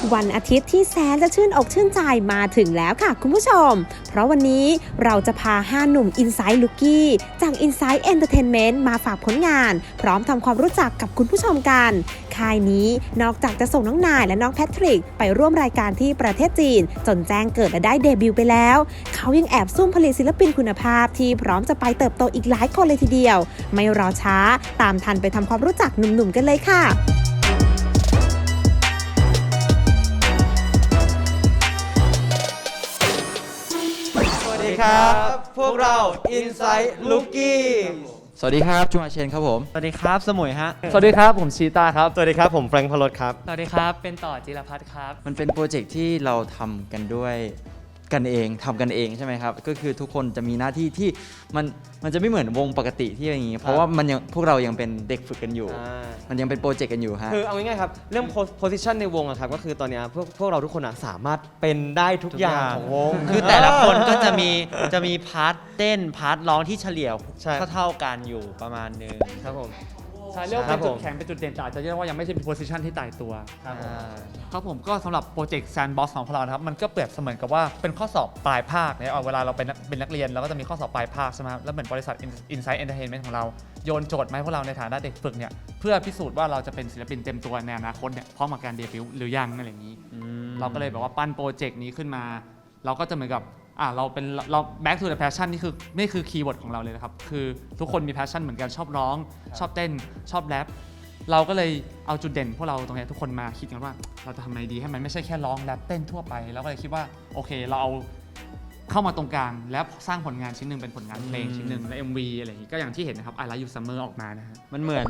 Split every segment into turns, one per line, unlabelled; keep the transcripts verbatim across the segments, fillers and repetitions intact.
วันอาทิตย์ที่แสนจะชื่นอกชื่นใจมาถึงแล้วค่ะคุณผู้ชมเพราะวันนี้เราจะพาห้าหนุ่ม Inside Rookie จาก Inside Entertainment มาฝากผลงานพร้อมทำความรู้จักกับคุณผู้ชมกันค่ายนี้นอกจากจะส่งน้องนายและน้องแพทริกไปร่วมรายการที่ประเทศจีนจนแจ้งเกิดและได้เดบิวต์ไปแล้วเขายังแอบซุ่มผลิตศิลปินคุณภาพที่พร้อมจะไปเติบโตอีกหลายคนเลยทีเดียวไม่รอช้าตามทันไปทำความรู้จักหนุ่มๆกันเลยค่ะ
สวัสดีครับพวกเรา Inside Rookie
สวัสดีครับจุงอาเชนครับผม
สวัสดีครับสมุยฮะ
สวัสดีครับผมชีตาครับ
สวัสดีครับผมแฟรงค์พลดครับ
สวัสดีครับเป็นต่อจิรพัฒน์ครับ
มันเป็นโปรเจกต์ที่เราทำกันด้วยกันเองทำกันเองใช่ไหมครับก็คือทุกคนจะมีหน้าที่ที่มันมันจะไม่เหมือนวงปกติที่อย่างนี้เพราะว่ามันยังพวกเรายังเป็นเด็กฝึกกันอยู่มันยังเป็นโปรเจกต์กันอยู่ฮะ
คือเอาง่ายๆครับเรื่องโพสิชันในวงอะครับก็คือตอนนี้พวกพวกเราทุกคนอะสามารถเป็นได้ทุกอย่างของวง
คือแต่ละคนก็จะมีจะมีพาร์ทเต้นพาร์ทร้องที่เฉลี่ย
ใช่
เท่าๆกันอยู่ประมาณนึง
ครับผม
ใช่เรียกว่า
ครั
เป็น
บ
จุ
ผ
ด
ม
แข็งเป็นจุดเด่นแต่อาจจะเรียกว่ายังไม่ใช่เป็นโพสิชันที่ตายตัว
ครับผม
ครับผมก็สำหรับโปรเจกต์แซนด์บ็อกซ์ของพวกเรานะครับมันก็เปรียบเสมือนกับว่าเป็นข้อสอบปลายภาคเนี่ยเอาเวลาเราเป็นนักเป็นนักเรียนเราก็จะมีข้อสอบปลายภาคใช่ไหมครับแล้วเหมือนบริษัท Inside Entertainment ของเราโยนโจทย์มาให้พวกเราในฐานะเด็กฝึกเนี่ยเพื่อพิสูจน์ว่าเราจะเป็นศิลปินเต็มตัวในอนาคตเนี่ยพร้อมกับการเดบิวต์หรือยังอะไรอย่างนี้ เราก็เลยแบบว่าปั้นโปรเจกต์นี้ขึ้นมาเราก็จะเหมือนกับอ่ะเราเป็นเรา back to the passion นี่คือนี่คือคีย์เวิร์ดของเราเลยนะครับคือทุกคนมี passion เหมือนกันชอบร้องชอบเต้นชอบแรปเราก็เลยเอาจุดเด่นพวกเราตรงนี้ทุกคนมาคิดกันว่าเราจะทำไงดีให้มันไม่ใช่แค่ร้องแรปเต้นทั่วไปเราก็เลยคิดว่าโอเคเราเอาเข้ามาตรงกลางแล้วสร้างผลงานชิ้นหนึ่งเป็นผลงานเพลงชิ้นหนึ่งและ เอ็ม วี อะไรอย่างนี้ก็อย่างที่เห็นนะครับ I Like You Summer ออกมานะฮะ
มันเหมือน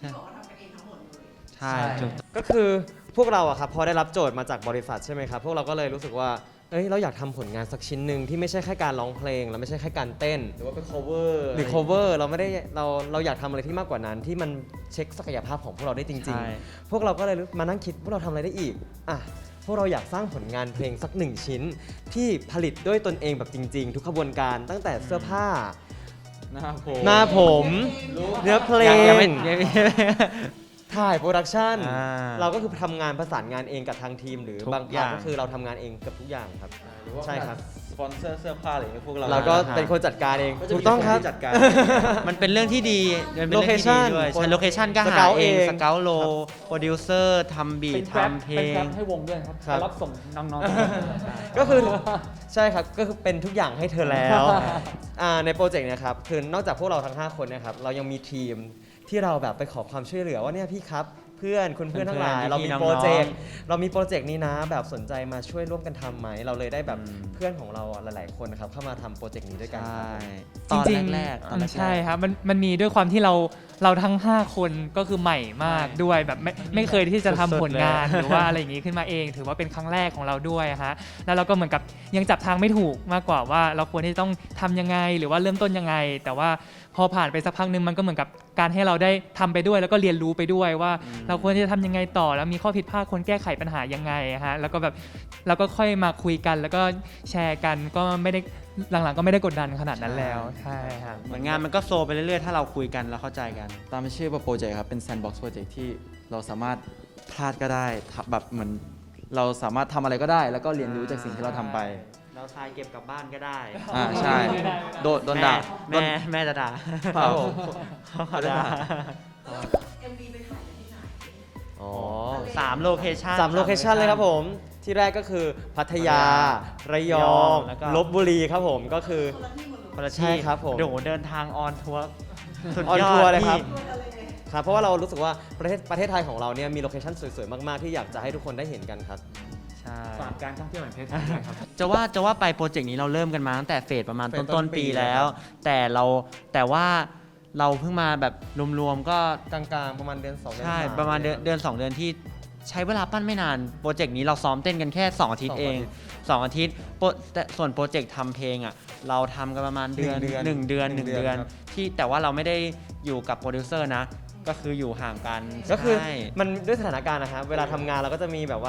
ใช่
ก็คือพวกเราอะครับพอได้รับโจทย์มาจากบริษัทใช่ไหมครับพวกเราก็เลยรู้สึกว่าเอ้ยเราอยากทำผลงานสักชิ้นหนึ่งที่ไม่ใช่แค่การร้องเพลงแล้วไม่ใช่แค่การเต้นหรือว่าเป็น cover หรือ cover เราไม่ได้เราเราอยากทำอะไรที่มากกว่านั้นที่มันเช็คศักยภาพของพวกเราได้จริง
ใช่
ๆ พวกเราก็เลยมานั่งคิดพวกเราทำอะไรได้อีกอ่ะพวกเราอยากสร้างผลงานเพลงสักหนึ่งชิ้นที่ผลิตด้วยตนเองแบบจริงๆ ทุกขบวนการตั้งแต่เสื้อผ้า
หน้าผม
หน้าผมเนื้อเพล
ยัง
ง
ยังไม่ยังไม่
ถ่ายโปรดักชัน
อ่า
เราก็คือทำงานประสานงานเองกับทางทีม หรือ
ทุก
บาง
อ
พา
ย่า
ร์ท
ง
ก็คือเราทำงานเองกับทุกอย่างครับใช่ครับ
สปอนเซอร์เสื้อผ้าอะไรอย่างเงี้ยพวกเรา
เราก็เป็นคนจัดการเองถูกต้องครับ
จัดการ
มันเป็นเรื่องที่ดีมันเป็นเรื่องที่ดี
Location
ด้วย
คน
ใช่โลเคชั่นก็หา
Scout
เอง
เอง
สเกลโลโปรดิวเซอร์ทำบีท
เป็นแกร็บ
ทำเพล
เป็นแกร็
ง
บให้วงด้วยครับ
ครับ
ไปรับส่งน้อง
ก็คือใช่ครับก็คือเป็นทุกอย่างให้เธอแล้ว อ่าในโปรเจกต์เนะครับคือนอกจากพวกเราทั้งห้าคนเนะครับเรายังมีทีมที่เราแบบไปขอความช่วยเหลือว่าเนี่ยพี่ครับเพื่อนคุณเพื่อนทั้งหลาย
เพื่อนๆ
เรามี
พี่ๆ
โปรเจกต์
น้อง
เรามีโปรเจกต์นี้นะแบบสนใจมาช่วยร่วมกันทำไหมเราเลยได้แบบเพื่อนของเราหลาย ๆ คนนะครับเข้ามาทำโปรเจกต์นี้ด้วยกัน
ใช่
ครับ
ตอน
จริงๆ
แรกๆตอนแรกๆ
ใช่ครับมันมันมีด้วยความที่เราเราทั้ง ห้า คนก็คือใหม่มากด้วยแบบไม่ไม่เคยที่จะทำผลงานหรือว่าอะไรอย่างนี้ขึ้นมาเอง ถือว่าเป็นครั้งแรกของเราด้วยฮะแล้วเราก็เหมือนกับยังจับทางไม่ถูกมากกว่าว่าเราควรที่จะต้องทำยังไงหรือว่าเริ่มต้นยังไง แต่ว่าพอผ่านไปสักพักหนึงมันก็เหมือนกับการให้เราได้ทำไปด้วย แล้วก็เรียนรู้ไปด้วยว่า เราควรที่จะทำยังไงต่อแล้วมีข้อผิดพลาดควรแก้ไขปัญหายังไงฮะแล้วก็แบบเราก็ค่อยมาคุยกันแล้วก็แชร์กันก็ไม่ได้หลังๆก็ไม่ได้กดดันขนาดนั้นแล้วใช่ครับ
เหมือนงานมันก็โฟลว์ไปเรื่อยๆ ถ้าเราคุยกันแล้วเข้าใจกัน
ตามชื่อโปรเจกต์ครับเป็นแซนด์บ็อกซ์โปรเจกต์ที่เราสามารถพลาดก็ได้ทำแบบเหมือนเราสามารถทำอะไรก็ได้ แล้วก็เรียนรู้จากสิ่งที่เราทำไป
เราทายเก็บกลับบ้านก็ได้
อ่าใช่โดนโดนด่าโด
แม่
น
แม่จะด่า
ครับผม
เขาด่า
อ๋อ
สามโลเคชั่น
สามโลเคชันเลยครับผมที่แรกก็คือพัทยา ระยอง
แล้วก็
ลบบุรีครับผมก็คือ
คนละ
ใช่
ที่
ครับผม
โอ้โหเดินทางออนทัวร์สุด
ออน
ยอ
ทัวร์
ด
เลยครับ
พี่
ครับ เพราะว่าเรารู้สึกว่าประเทศประเทศไทยของเราเนี่ยมีโลเคชั่นสวยๆ มาก ๆ ที่อยากจะให้ทุกคนได้เห็นกันครับ
ใช่
ๆฝากการท่องเที่ยวแห่งประเทศไทยด้วยครับ
จะว่าจะว่าไปโปรเจกต์นี้เราเริ่มกันมาตั้งแต่เฟสประมาณ
เฟส
ต้น
ต้
ต้
น
น
ปี
ปีแล้ว แต่เราแต่ว่าเราเพิ่งมาแบบรวมๆก็
กลางๆ ประมาณเดือนสองเดือน
ใช่
ส
ประมาณเดือนเดือนสองเดือนที่ใช้เวลาปั้นไม่นานโปรเจกต์นี้เราซ้อมเต้นกันแค่สองอาทิตย์เองสองอาทิตย์โปรแต่ส่วนโปรเจกต์ทำเพลงอ่ะเราทำกันประมาณเดือนหนึ่งเดือนหนึ่งเดือนที่แต่ว่าเราไม่ได้อยู่กับโปรดิวเซอร์นะก็คืออยู่ห่างกัน
ก็คือ
ใช่
มันด้วยสถานการณ์นะครับเวลาทำงานเราก็จะมีแบบว่า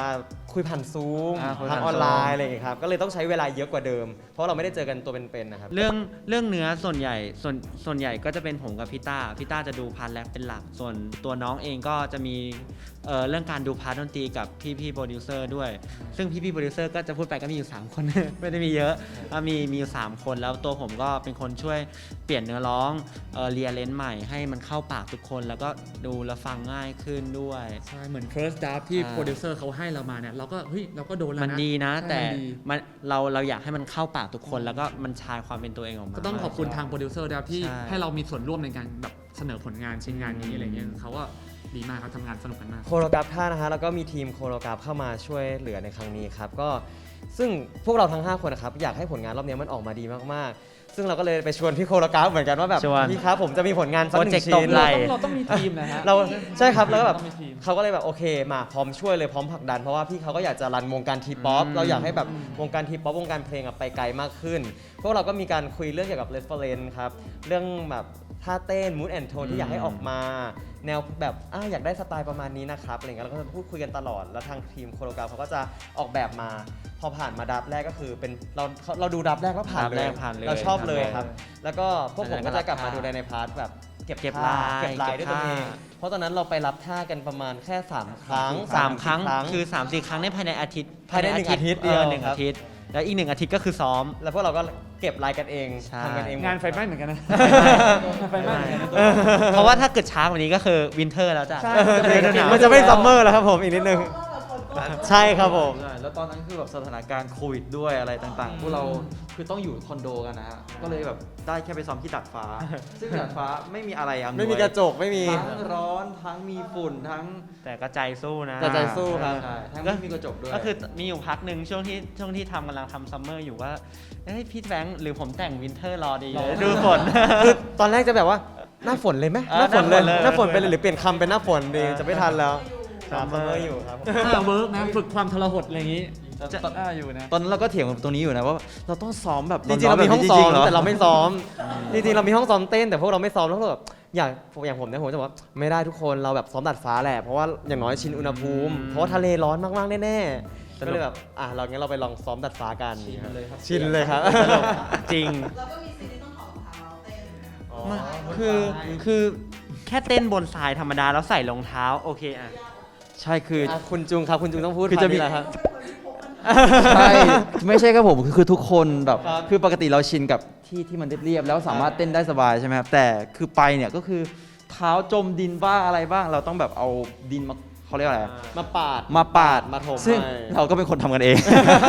คุยผ่านซูม
อ่าคุย
ทา
ผ่าง น
ออนไล
Zoom
น์อะไรอย่างเงี้ยครับก็เลยต้องใช้เวลาเยอะกว่าเดิม เพราะเราไม่ได้เจอกันตัวเป็นๆนะครับ
เรื่องเรื่องเนื้อส่วนใหญ่ส่วนส่วนใหญ่ก็จะเป็นผมกับพี่ต้าพี่ต้าจะดูพาร์ทแรปเป็นหลัก ส่วนตัวน้องเองก็จะมีเอ่อเรื่องการดูพาร์ทดนตรีกับพี่พี่โปรดิวเซอร์ด้วย ซึ่งพี่พี่โปรดิวเซอร์ก็จะพูดไปก็มีอยู่ สาม คน ไม่ได้มีเยอะอ่ะมีมีอยู่สามคนแล้วตัวผมก็เป็นคนช่วยเปลี่ยนเนื้อร้องเอ่อเรียเลนใหม่ให้มันเข้าปากทุกคน แล้วก็ดูและฟังง่ายขึ้นด้วย
ใช่เหมือน first draft ที่
อ่า
โปรดิวเซอร์เขาให้เรามาเนี่ยเราก็เฮ้ยเราก็โดนแล้วนะ
มันดีนะ
ใช่
แต่
มันดี
มันเราเราอยากให้มันเข้าปากทุกคน แล้วก็มันชายความเป็นตัวเองออกมา
ก็ต้องขอบคุณทางโปรดิวเซอร์นะครับที่
ใช่
ให้เรามีส่วนร่วมในการแบบเสนอผลงานชิ้นงานนี้อะไรเงี้ยเขาก็ดีมากครับทำงานสนุกกันมาก
โคโรกราฟท่านะฮะแล้วก็มีทีมโคโรกราฟเข้ามาช่วยเหลือในครั้งนี้ครับก็ซึ่งพวกเราทั้งห้าคนนะครับอยากให้ผลงานรอบนี้มันออกมาดีมากๆ ซึ่งเราก็เลยไปชวนพี่โคโรกราฟเหมือนกันว่าแบบ
ชวน
พี่ครับผมจะมีผลงานสักหนึ่
โปรเจก
ง
ต์ต
ชิ้
ก
น
ไหล่
เราต้องมีทีมนะฮะ
เราใช่ครับแล้วก็แบบ
ต้องมีทีม
เขาก็เลยแบบโอเคมาพร้อมช่วยเลยพร้อมผลักดันเพราะว่าพี่เขาก็อยากจะรันวงการทีป๊อป
อืม
เราอยากให้แบบวงการทีป๊อปวงการเพลงอะไปไกลมากขึ้น พวกเราก็มีการคุยเรื่องเกี่ยวกับ reference ครับเรื่องแบบท่าเต้น mood and tone ที่อยากให้ออกมา แนวแบบอ่ะอยากได้สไตล์ประมาณนี้นะครับอะไรเงี้ยเราก็จะพูดคุยกันตลอดแล้วทางทีมโคโรกราฟเขาก็จะออกแบบมาพอผ่านมาดับแรกก็คือเป็นเราเราดูดับแรกแล้วผ่าน
ดับ
เล
แร
ย
กผ่านเลย
เราชอบเลย
ผ่านเลย
ครับ แล้วก็พวกผมก็จะกลับมาดูในในพาร์ทแบบเก็บ
เก็บ
ท่
ลาย
เก็บลายด้วยตัวเอง
เก็บท่า
เพราะตอนนั้นเราไปรับท่ากันประมาณแค่สามครั้ง
สามครั้ง
สี่
คือ สามสี่ ครั้งในภายในอาทิตย์
ภายในหนึ่งอาทิตย์เดียว
ออหนึ่ง
ครับ
อาทิตย์ แล้วอีกหนึ่งอาทิตย์ก็คือซ้อม
แล้วพวกเราก็เก็บลายกันเอง
ใช่
ทำกันเองหมด
งานไฟไหม้เหมือนกันนะ ไฟไหม้เหมือนกันนะ
เพราะว่าถ้าเกิดช้ากว่านี้ก็คือวินเทอร์แล้วจ้ะ
ใช่
ฤดูหนาว
มันจะไม่ซัมเมอร์แล้วครับผมอีกนิดนึงใช่ครับผม
ใช่แล้วตอนนั้นคือแบบสถานการณ์โควิดด้วยอะไรต่างๆ พวกเราคือต้องอยู่คอนโดกันนะฮะ ก็เลยแบบได้แค่ไปซ้อมที่ดาดฟ้า ซึ่งดาดฟ้าไม่มีอะไรอำนวย
ไม่มีกระจกไม่มี
ทั้งร้อนทั้งมีฝุ่นทั้ง
แต่ก็ใจสู้นะ
แต่ใจสู้ครับ
ใช่ทั้งไม่มีกระจกด้วย
ก็คือมีอยู่พักหนึ่งช่วงที่ช่วงที่ทำกำลังทำซัมเมอร์อยู่ว่าเอ้ยพี่แบงค์หรือผมแต่งวินเทอร์รอดีเลยดูฝน
คือตอนแรกจะแบบว่าหน้าฝนเลยไหม
เออ
หน้าฝนเลย
ห
ห
น้า
น้า
ฝ
ฝ
น
น
เลย
ไปเลยหรือเปลี่ยนคำเป็นหน้าฝนดี
เออ
จะไม่ทันแล้ว
ซัมเมอร์
ซัมเมอร์อยู่ครับ
ถ้าเวิร์กนะฝึกความทรหดอะไรอย่างนี้
จะ
จะอ่าอยู่นะ
ตอนนั้นเราก็เถียงกันตรงนี้อยู่นะว่าเราต้องซ้อมแบบ
จริงๆเรามีห้องซ้อม
จริๆห
แต่เราไม่ซ้อมจริงๆเรามีห้องซ้อมเต้นแต่พวกเราไม่ซ้อมแล้วก็แบบอยากอย่างผมเนี่ยผมจะบอกว่าไม่ได้ทุกคนเราแบบซ้อมดัดฟ้าแหละเพราะว่าอย่างน้อยชินอุณหภูมิ
อืม
เพราะว่าทะเลร้อนมากๆแน่ๆก็เลยแบบอ่ะเรางั้นเราไปลองซ้อมดัดฟ้ากัน
ชินเลยครับ
ชินเลยครับ
จริง
แล้วก็มีซีนที่ต้องถอดรองเท้าเต้น
มันคือคือแค่เต้นบนทรายธรรมดาแล้วใส่รองเท้าโอเคอ่ะ
ใช่คือ
อ่ะคุณจุงครับคุณจุงต้องพูด
คือจะมี
พาร์ทนี้แหละครับ
ใช่ ไม่ใช่ครับผมคือคือทุกคนแบบ
ครับ
คือปกติเราชินกับที่ที่มันเรียบๆแล้วสามารถเต้นได้สบายใช่ไหมครับแต่คือไปเนี่ยก็คือเท้าจมดินบ้างอะไรบ้าง เราต้องแบบเอาดินมาเขาเรียกอะไรอะ
มาปาด
มาปาด
มาถม
ซึ่ง
ให้
เราก็เป็นคนทำกันเอง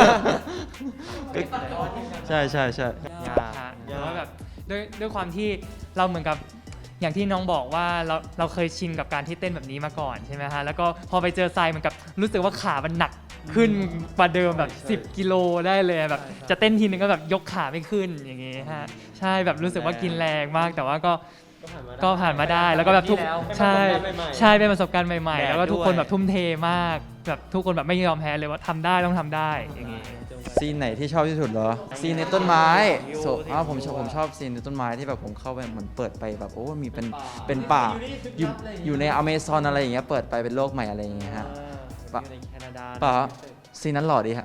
ใช่ใช่ใช่
ยาก
ฮะแต่ว่าแบบด้วยด้วยความที่เราเหมือนกับอย่างที่น้องบอกว่าเราเราเคยชินกับการที่เต้นแบบนี้มาก่อนใช่ไหมฮะแล้วก็พอไปเจอทรายเหมือนกับรู้สึกว่าขามันหนักขึ้นกว่าเดิมแบบ สิบ กิโลได้เลยแบบจะเต้นทีนึงก็แบบยกขาไม่ขึ้นอย่างงี้ฮะใช่แบบรู้สึกว่ากินแรงมาก แต่ว่าก็ก็ผ่านมาได้แล้วก็แบบทุกใช่ใช่เป็นประสบการณ์ใหม่ๆ แล้วก็ทุกคนแบบทุ่มเทมากแบบทุกคนแบบไม่ยอมแพ้เลยว่าทำได้ต้องทำได้อย่างงี้
ซีนไหนที่ชอบที่สุดเหรอ ซีนในต้นไม้โซอ้าวผมชอบผมชอบซีนในต้นไม้ที่แบบผมเข้าไปเหมือนเปิดไปแบบโอ้มีเป็นเป็นป่าอยู่อยู่ในอเมซอนอะไรอย่างเงี้ยเปิดไปเป็นโลกใหม่อะไรอย่างเงี้ยฮะ ปะ
อยู่ในแคนาดา
ป่าซีนนั้นหล่อดีฮะ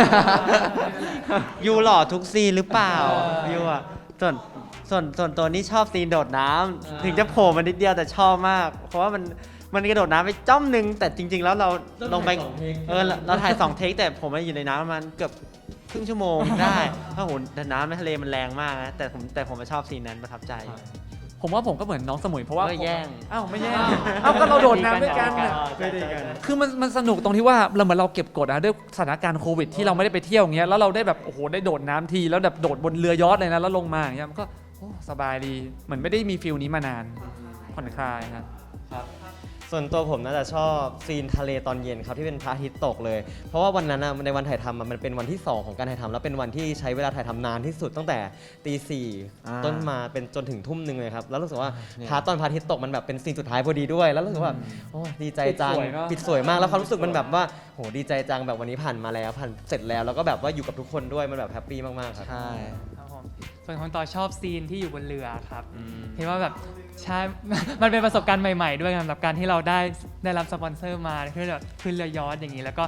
ยูหล่อทุกซีนหรือเปล่ายูอ่ะส่วนส่วนส่วนตัวนี้ชอบซีนโดดน้ำถึงจะโผล่มานิดเดียวแต่ชอบมาก เพราะว่ามันมันกระโดดน้ำไปจ้อมหนึ่งแต่จริง ๆ แล้วเราลงไปเออเราเราถ่ายสองเทคแต่ผมมาอยู่ในน้ำประมาณเกือบครึ่งชั่วโมงได้เพราะโหแต่น้ำในทะเลมันแรงมากนะแต่ผมแต่ผมชอบซีนนั้นประทับใจ
ผมว่าผมก็เหมือนน้องสมุยเพราะว่า
เอ้ยแย่ง
อ้าวไม่แย่งอ้าวก็เราโดดน้ำด้วยกันน่ะ
ไม่ได้กัน
คือมันมันสนุกตรงที่ว่าเราเหมือนเราเก็บกดนะด้วยสถานการณ์โควิดที่เราไม่ได้ไปเที่ยวอย่างเงี้ยแล้วเราได้แบบโอ้โหได้โดดน้ำทีแล้วแบบโดดบนเรือยอชต์เลยนะแล้วลงมาอย่างเงี้ยมันก็โอ้สบายดีเหมือนไม่ได้มีฟิลนี้มานานผ่อนคลายครับ
ส่วนตัวผมน่าจะชอบซีนทะเลตอนเย็นครับที่เป็นพระอาทิตย์ตกเลย เพราะว่าวันนั้นนะในวันถ่ายทำอะมันเป็นวันที่สองของการถ่ายทำแล้วเป็นวันที่ใช้เวลาถ่ายทำนานที่สุดตั้งแต่ตีสี่
อ่า
ต้นมาเป็นจนถึงทุ่มหนึ่งเลยครับแล้วรู้สึกว่า
เนี่ย
พาร์ทตอนพระอาทิตย์ตกมันแบบเป็นซีนสุดท้ายพอดีด้วย แล้วรู้สึกว่าโอ้ดีใจจัง
ปิดสวยเนอะ
ปิดสวยมากแล้วความรู้สึกมันแบบว่าโหดีใจจังแบบวันนี้ผ่านมาแล้วผ่านเสร็จแล้วแล้วก็แบบว่าอยู่กับทุกคนด้วยมันแบบแฮปปี้มากๆครับ
ใช่
ครับผมส่วนของต่อชอบซีนที่อยู่บนเรือครับ
อืม
เห็นว่าแบบใช่ มันเป็นประสบการณ์ใหม่ๆด้วยสำหรับการที่เราได้ได้รับสปอนเซอร์มาขึ้นแบบขึ้นเรือยอชต์อย่างนี้ แล้วก็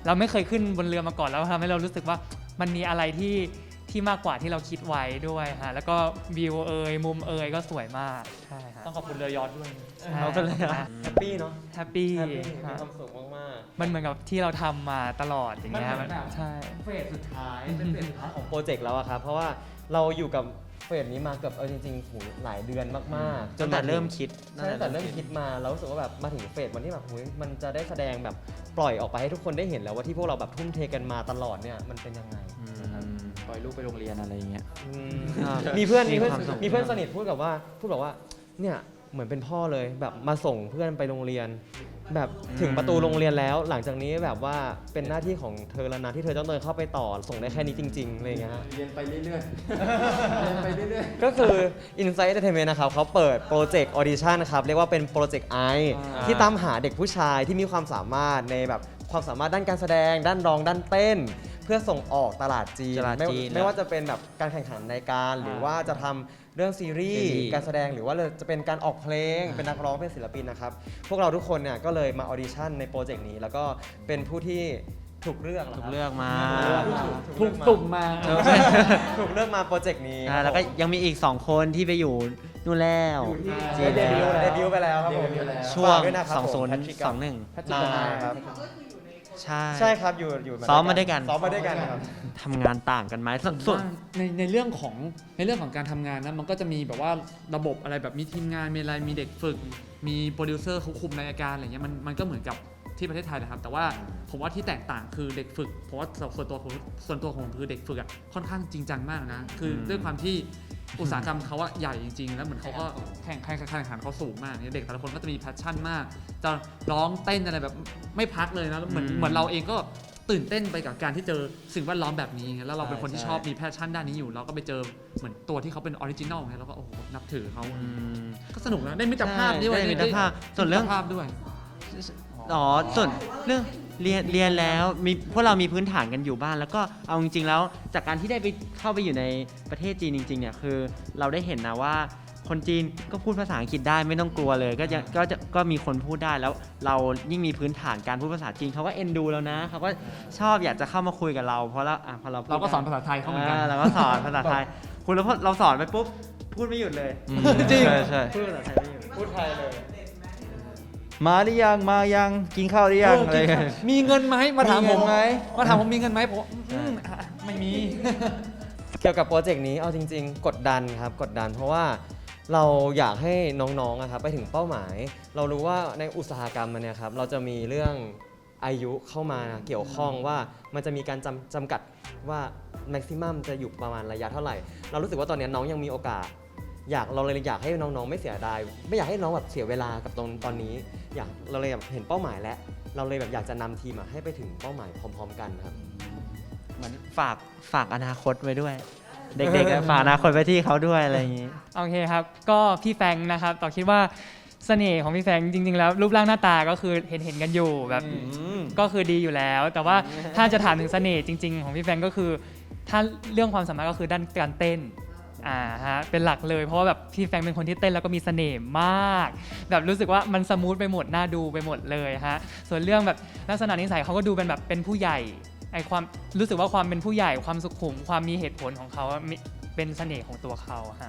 เราไม่เคยขึ้นบนเรือมาก่อนแล้วทำให้เรารู้สึกว่ามันมีอะไรที่ที่มากกว่าที่เราคิดไว้ด้วยฮะแล้วก็วิวเอยมุมเอยก็สวยมากใช่ฮะ
ต้องขอบคุณเรือยอชต์ด้วย
เอาไปเลยฮะ
แฮปปี้เนาะ
แฮปปี้
แฮปปี้มี
ฮะ
ความสุขมาก
มันเหมือนกับที่เราทำมาตลอดอย่างเงี้ย
มันเหมือนแบบ
ใช่
เฟสสุดท้ายเป็นเฟสสุดท้าย
ๆ ของโปรเจกต์แล้วอะครับ เพราะว่าเราอยู่กับเฟสนี้มาเกือบเออจริงๆหูหลายเดือนมากๆ
ตั้งแต่เริ่มคิด
ใช่ตั้งแต่เริ่มคิดมาเรารู้สึกว่าแบบมาถึงเฟสวันที่แบบหูยมันจะได้แสดงแบบปล่อยออกไปให้ทุกคนได้เห็นแล้วว่าที่พวกเราแบบทุ่มเทกันมาตลอดเนี่ยมันเป็นยังไง
ปล่อยลูกไปโรงเรียนอะไรอย่างเงี้ย
อืม
อ่า
มีเพื่อน
มี
มีเพื่อน
ความสุข
มีเพื่อนสนิทพูดกับว่าพูดแบบว่าเนี่ยเหมือนเป็นพ่อเลยแบบมาส่งเพื่อนไปโรงเรียน แบบถึงประตูโรงเรียนแล้ว หลังจากนี้แบบว่าเป็นหน้าที่ของเธอแล้วนะที่เธอต้องเดินเข้าไปต่อส่งได้แค่นี้จริงๆอะไรอย่างเงี้ยฮะ
เรียนไปเรื่อยๆ เรียนไปเรื่อย
ก็คือ Insight Entertainment นะครับเขาเปิดโปรเจกต์ออดิชั่นครับ เรียกว่าเป็นโปรเจกต์ไอ
อ่า
ที่ตามหาเด็กผู้ชายที่มีความสามารถในแบบความสามารถด้านการแสดง ด้านร้องด้านเต้น เพื่อส่งออกตลาดจีน
ตลาด
ไม่
จีน
ไม่ว่าจะเป็นแบบการแข่งขันในการ หรือว่าจะทำเรื่องซีรีส์
ซีรีส์
การแสดงหรือว่าจะเป็นการออกเพลง เป็นนักร้องเป็นศิลปินนะครับ พวกเราทุกคนเนี่ยก็เลยมาออดิชั่นในโปรเจกต์นี้แล้วก็เป็นผู้ที่ถูกเลือกนะ
ถู
ค
ก
รับ
เลือกมา
ถูกตุ่มมา
ถูกเลือกมาโปรเจกต์นี้
อ่าแล้วก็ยังมีอีก สอง คนที่ไปอยู่นู่นแล้ว
จีนเดบิวต์เดบิวต์ไปแล้วครับผม
ช่วง
ฝากด้วยนะครับ
สอง
ผม
ศูนย์
Patrick กับ
สองหนึ่ง
Patrick กับนายครับ
ใช่
ใช่ครับอยู่อยู่
ซ้อมมาด้วยกัน
ซ้อมมาด้วยกันครับ
ทำงานต่างกันไหมส่วนส่วน
ในในเรื่องของในเรื่องของการทำงานนะมันก็จะมีแบบว่าระบบอะไรแบบมีทีมงานมีอะไรมีเด็กฝึก มีโปรดิวเซอร์เขาคุมรายการอะไรเงี้ยมันมันก็เหมือนกับที่ประเทศไทยนะครับแต่ว่าผมว่าที่แตกต่างคือเด็กฝึกเพราะว่าส่วนตัวผมส่วนตัวของผมคือเด็กฝึกอ่ะค่อนข้างจริงจังมากนะคืออ
ม
ด้วยความที่อุตสาหกรรมเขาว่าใหญ่จริงๆแล้วเหมือนเขาก็แข่งแข่งแข่งขันเขาสูงมากเนี่ยเด็กแต่ละคนก็จะมีแพชชั่นมาก จะร้องเต้นอะไรแบบไม่พักเลยนะแล้วเหมือน
อืม
เหมือนเราเองก็ตื่นเต้นไปกับการที่เจอสิ่งแวดล้อมแบบนี้ไงแล้วเราเป็นคนที่
ใช่
ชอบมีแพชชั่นด้านนี้อยู่เราก็ไปเจอเหมือนตัวที่เขาเป็นออริจินอลไงแล้วก็โอ้โหนับถือเขา
อืม
ก็สนุกนะได้มิตรภาพด้วย
ได้มิตรภาพส่วนเรื่อง
มิตภาพด้วย
อ๋อส่วนเรื่องเรียนเรียนแล้วมีพวกเรามีพื้นฐานกันอยู่บ้าน แล้วก็เอาจริงๆแล้วจากการที่ได้ไปเข้าไปอยู่ในประเทศจีนจริงๆเนี่ยคือเราได้เห็นนะว่าคนจีนก็พูดภาษาอังกฤษได้ไม่ต้องกลัวเลย ก็จะก็จะก็มีคนพูดได้แล้วเรายิ่งมีพื้นฐานการพูดภาษาจีนเขาก็เอ็นดูแล้วนะเขาก็ชอบอยากจะเข้ามาคุยกับเราเพราะเราอ่ะพอเราพูด
เราก็สอน
ได้
ภาษาไทยเขาเหมือนกัน
เราก็สอนภาษาไทยคุณแล้วพอเราสอนไปปุ๊บพูดไม่หยุดเลย
จริงใช่ใช่
พูดภาษาไทยไม่หยุด
พูดไทยเลย
มาหรือยังมายังกินข้าวหรือยังอะไรเงี้ย
มีเงินไหมมาถามผม
มีเงินไหม
มาถามผมมีเงินไหมผมอืมอ่ะไม่มี
เกี่ยวกับโปรเจกต์นี้เอาจริง ๆ กดดันครับกดดัน เพราะว่าเราอยากให้น้องๆอะครับไปถึงเป้าหมาย เรารู้ว่าในอุตสาหกรรมมันเนี่ยครับเราจะมีเรื่องอายุเข้ามาเกี่ยวข้องว่ามันจะมีการจำจำกัดว่าแม็กซิมัมจะอยู่ประมาณระยะเท่าไหร่ เรารู้สึกว่าตอนนี้น้องยังมีโอกาส อยากเราเลยอยากให้น้องๆไม่เสียดายไม่อยากให้น้องแบบเสียเวลากับตรงตอนนี้ อยากเราเลยแบบเห็นเป้าหมายแล้ว เราเลยแบบอยากจะนำทีมอะให้ไปถึงเป้าหมายพร้อม ๆ กันครับ
เหมือนฝากฝากอนาคตไว้ด้วย เด็กๆอะฝากอนาคตไว้ที่เขาด้วยอะไรอย่างนี้
โอเคครับ ก็พี่แฟงค์นะครับต่อคิดว่าเสน่ห์ของพี่แฟงค์จริงๆแล้วรูปร่างหน้าตาก็คือเห็นเห็นๆกันอยู่แบบก็คือดีอยู่แล้ว แต่ว่าถ้าจะถามถึงเสน่ห์จริง ๆ ของพี่แฟงค์ก็คือ ถ้าเรื่องความสามารถก็คือด้านการเต้นอ่าฮะเป็นหลักเลยเพราะว่าแบบพี่แฟงค์เป็นคนที่เต้นแล้วก็มีเสน่ห์มาก แบบรู้สึกว่ามันสมูทไปหมดน่าดูไปหมดเลยฮะส่วนเรื่องแบบลักษณะนิสัยเขาก็ดูเป็นแบบเป็นผู้ใหญ่ไอความรู้สึกว่าความเป็นผู้ใหญ่ความสุขุมความมีเหตุผลของเขาอะมีเป็นเสน่ห์ของตัวเขาฮะ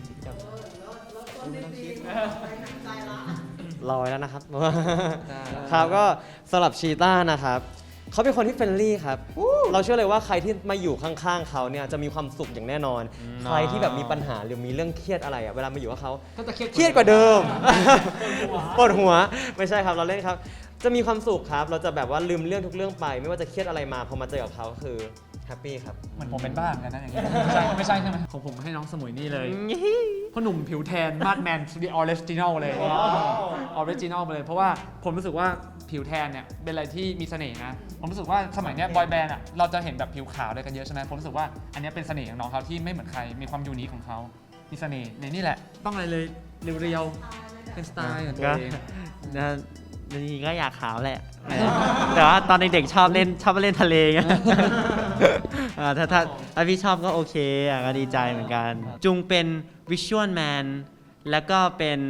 ลอยแล้วนะครับ ครับก็สำหรับชีต้านะครับเขาเป็นคนที่เฟรนลี่ครับ เราเชื่อเลยว่าใครที่มาอยู่ข้างๆเขาเนี่ยจะมีความสุขอย่างแน่นอน ใครที่แบบมีปัญหาหรือมีเรื่องเครียดอะไรอะเวลามาอยู่กับเขา
ก็จะเครียด
เครียดกว่าเดิม ปวดหัวไม่ใช่ครับเราเล่นครับ จะมีความสุขครับ เราจะแบบว่าลืมเรื่องทุกเรื่องไป ไม่ว่าจะเครียดอะไรมาพอมาเจอกับเขาก็คือแฮปปี้ครับ
เหมือนผมเป็นบ้าเหมือนกันนะอย่างนี้ไม่ใช่ไม่ใช่ใช่ไหมของผมให้น้องสมุยนี่เลยพ่อหนุ่มผิวแทนมาดแมนดีออริจินอลเลยออริจินอลไปเลย เพราะว่าผมรู้สึกว่าผิวแทนเนี่ยเป็นอะไรที่มีเสน่ห์นะ ผมรู้สึกว่าสมัยเนี้ยบอยแบนด์อ่ะเราจะเห็นแบบผิวขาวอะไรกันเยอะใช่ไหมผมรู้สึกว่าอันเนี้ยเป็นเสน่ห์ของน้องเขาที่ไม่เหมือนใครมีความยูนิคของเขามีเสน่ห์ในนี่แหละ ต้องอะไรเลยเรียวๆเป็นสไตล์ของตัวเอง
นะจริงๆก็อยากขาวแหละ แต่ว่าตอนเด็กๆชอบเล่นชอบไปเล่นทะเลไง อ่าถ้าถ้าถ้าพี่ชอบก็โอเคอ่ะก็ดีใจเหมือนกัน จุงเป็นวิชวลแมนแล้วก็เป็น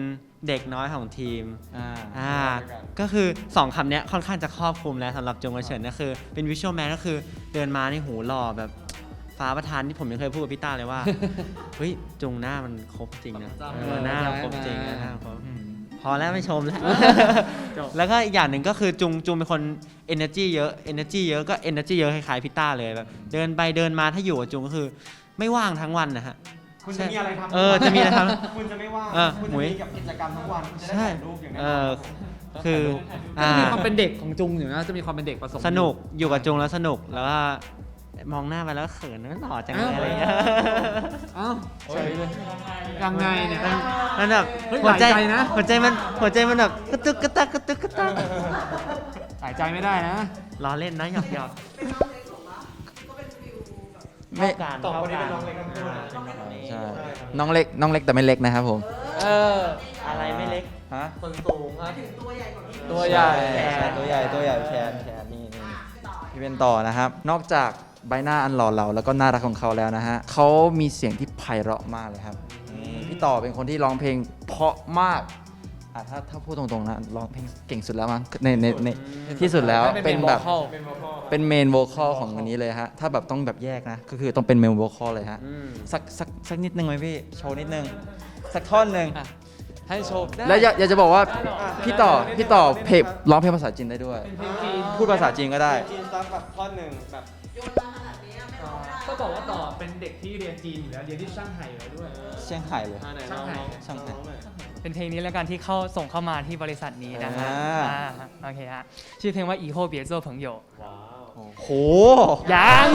เด็กน้อยของทีม
อ่า
อ่าก็คือสองคำเนี้ยค่อนข้างจะครอบคลุมแล้วสำหรับจงกระเฉินก็คือเป็นวิชวลแมนก็คือเดินมาในหูหล่อแบบฟ้าประธานที่ผมยังเคยพูดกับพี่ต้าเลยว่า เฮ้ยจุงหน้ามันครบจริงนะเออหน้ามันครบจริงนะหน้ามันครบพอแล้วไม่ชมแล้ว แล้วก็อีกอย่างหนึ่งก็คือจุงจุงเป็นคน energy เยอะ energy เยอะก็ energy เยอะคล้ายๆพี่ต้าเลยแบบเดินไปเดินมาถ้าอยู่กับจุงก็คือไม่ว่างทั้งวันนะฮะ
คุณจะมีอะไรทำ
เออจะมีอะไรท
คุณจะไม่ว่าง
เออ
คุณ
หมุ
จะ
ย
มีกับกิจกรรมทั้งวันคุณจะได้
ใช่
ถ่ายรูปอย่างแน่
เอน
อ
อน คือ
ก็
อ่า
จะมีความเป็นเด็กของจุงอยู่นะจะมีความเป็นเด็กผสม
สนุกอยู่กับจุงแล้วสนุกแล้วก็มองหน้าไปแล้วเขินนั่นหล่อจังเลยอะไรอย่างเงี้ย
อ้าวเฉยเลยยังไงเนี่ย
มันแบบ
เฮ้ย
หัวใจ
หลายใจนะ
หัวใจมันหัวใจมันแบบกระตึกกระตักกระตึกกระตัก
หายใจไม่ได้นะ
ล้อเล่นนะหยอกหยอก
เป็นน้องเล็กของเราก็เป็นฟิลแบบ
ไม่
การ
ต่อคนนี้เป็นน้องเล็กทั้งคู่นะ
ใช่น้องเล็กน้องเล็กแต่ไม่เล็กนะครับผม
เอออะไรไม่เล็ก
ฮะ
คนสูงครับ
ถึงตัวใหญ่กว่านี้
ตัวใหญ่
แขน
ตัวใหญ่ตัวใหญ่แขนแขนนี่นี่พี่เป็นต่อนะครับ นอกจากใบหน้าอันหล่อเหลาแล้วก็น่ารักของเขาแล้วนะฮะเขามีเสียงที่ไพเราะมากเลยครับนี่พี่ต่อเป็นคนที่ร้องเพลงเพราะมากอ่ะถ้าถ้าพูดตรงๆนะร้องเพลงเก่งสุดแล้วมั้งในในในที่สุดแล้วเป็นแบบเป็นเมนโวคอลของอันนี้เลยฮะถ้าแบบต้องแบบแยกนะก็คือต้องเป็นเมนโวคอลเลยฮะ
อืม
สักสักสักนิดนึงไหมพี่โชว์นิดนึงสักท่อนหนึ่ง
ให้โชว์
แล้วอยากอยากจะบอกว่าพี่ต่อพี่ต่อเพลงร้องเพลงภาษาจีนได้ด้วย พูดภาษาจีนก็ได้
จีนซับแบบท่อนหนึ่งแบบ
โยนมาขนาดนี้ไม่ร้องไม่ได้
ก็บอกว่าต่อเป็นเด็กที่เรียนจีนอยู่แล้วเรียนที่ช่างไห่อยู่แล้วด้วย
เชียงไฮ้เลย
อ่าไหน
ช่าง
ลอง
ไหน
ลอง
ช่างไหน
ลองหน่อย
เป็นเพลงนี้แล้วกันที่เข้าส่งเข้ามาที่บริษัทนี้นะฮะ
อ่า
อ่าโอเคฮะชื่อเพลงว่า以后别做朋友
ว้าว
โห
ยัง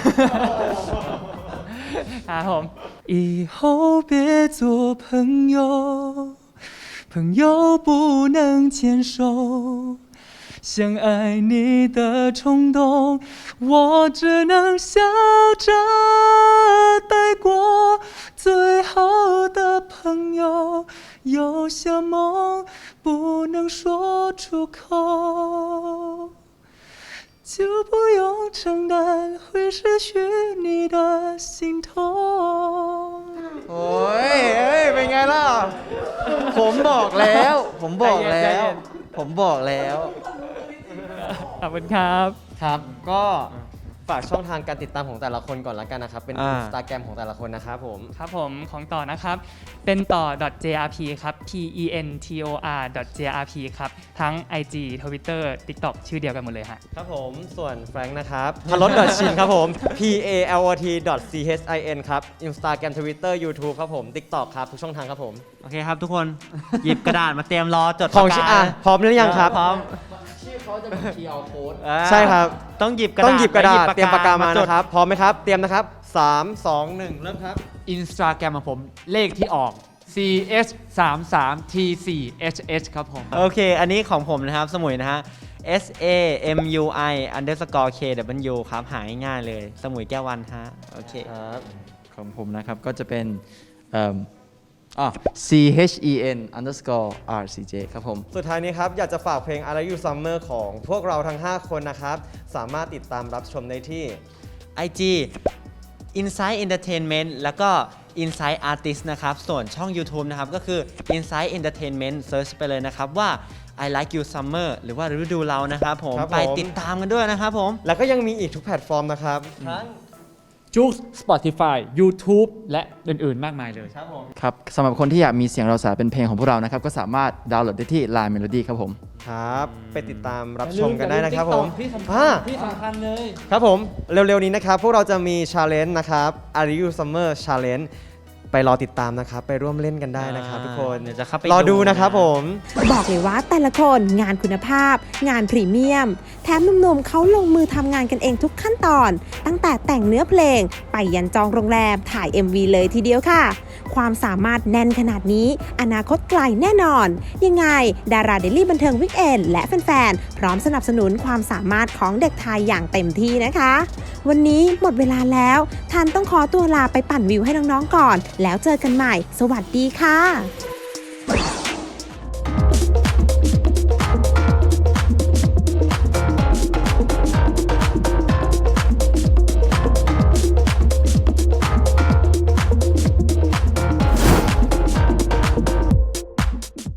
ครับผม以后别做朋友朋友不能牵手想爱你的冲动我只能笑着带过最好的朋友有些梦不能说出口就不用承担会失去你的心痛
โอ้ยเอ้ย เป็นไงล่ะ ผมบอกแล้ว ผมบอกแล้ว ผมบอกแล้ว
ขอบคุณครับ
ครับ ก็ฝากช่องทางการติดตามของแต่ละคนก่อนละกันนะครับ เป็น
อ่า
อินสตาแกรมของแต่ละคนนะครับผม
ครับผมของต่อนะครับ เป็นต่อ .jrp ครับ p e n t o r .jrp ครับ ทั้ง ไอ จี Twitter TikTok ชื่อเดียวกันหมดเลยฮะ
ครับผม ส่วนแฟรงค์นะครับพลด .shin ครับผม p a l o t c h i n ครับ Instagram Twitter YouTube ครับผม TikTok ครับ ทุกช่องทางครับผม
โอเคครับทุกคน หยิบกระดาษมาเตรียมรอจด
ของ
ปาก
ชื่
กา
ออ่ะพร้อมหรือยังครับ
พร้อม
ชื่อเขาจะเป็น คีย์ อาร์ code
อ่า
ใช่ครับ
ต้องหยิบกระดาษ
ต้องหยิบกระดาษ
และ
เตรียมปากกามา
จด
นะครับ พร้อมไหมครับ เตรียมนะครับ สาม สอง หนึ่ง เริ่มครับ
อินสตาแกรมของผมเลขที่ออก c s สามสาม t สี่ h h ครับผม
โอเค อันนี้ของผมนะครับ สมุยนะฮะ s a m u i underscore k w ครับ หาง่ายๆเลย สมุยแก้ววันฮะ โอเค
ครับ
ของผมนะครับ ก็จะเป็นเอิ่มอ๋อ c h e n underscore r c j ครับผม
สุดท้ายนี้ครับ อยากจะฝากเพลง Are You Summer ของพวกเราทั้ง ห้า คนนะครับ สามารถติดตามรับชมได้ที่
ไอ จี Insight Entertainment แล้วก็ Insight Artist นะครับ ส่วนช่อง YouTube นะครับ ก็คือ Insight Entertainment Search ไปเลยนะครับว่า I Like You Summer หรือว่าฤดูเรานะครับผม
ครับผม
ไปติดตามกันด้วยนะครับผม
แล้วก็ยังมีอีกทุกแพลตฟอร์มนะครับ ทั้ง
จุก Spotify YouTube และอื่นๆ มากมายเลย
ครับผม
ครับสำหรับคนที่อยากมีเสียงเราสายเป็นเพลงของพวกเรานะครับ ก็สามารถดาวน์โหลดได้ที่ Line Melody ครับผม
ครับ ไปติดตามรับชมกันได้นะครับผม
ที่สำคั
อ่า
ญที่สำคัญเลย
ครับผม เร็วๆนี้นะครับ พวกเราจะมี Challenge นะครับ Are You Summer Challenge ไปรอติดตามนะครับ ไปร่วมเล่นกันได้นะครับทุกคน
เดี๋ยวจะเข้าไป
รอดู
ดูนะ
นะครับผม
บอกเลยว่าแต่ละคนงานคุณภาพ งานพรีเมียม แถมหนุ่มๆเขาลงมือทำงานกันเองทุกขั้นตอน ตั้งแต่แต่งเนื้อเพลง ไปยันจองโรงแรมถ่าย เอ็ม วี เลยทีเดียวค่ะ ความสามารถแน่นขนาดนี้ อนาคตไกลแน่นอน ยังไง ดาราเดลี่บันเทิงวิกเอนและแฟนๆ พร้อมสนับสนุนความสามารถของเด็กไทยอย่างเต็มที่นะคะ วันนี้หมดเวลาแล้วทันต้องขอตัวลาไปปั่นวิวให้น้องๆก่อน แล้วเจอกันใหม่ สวัสดีค่ะ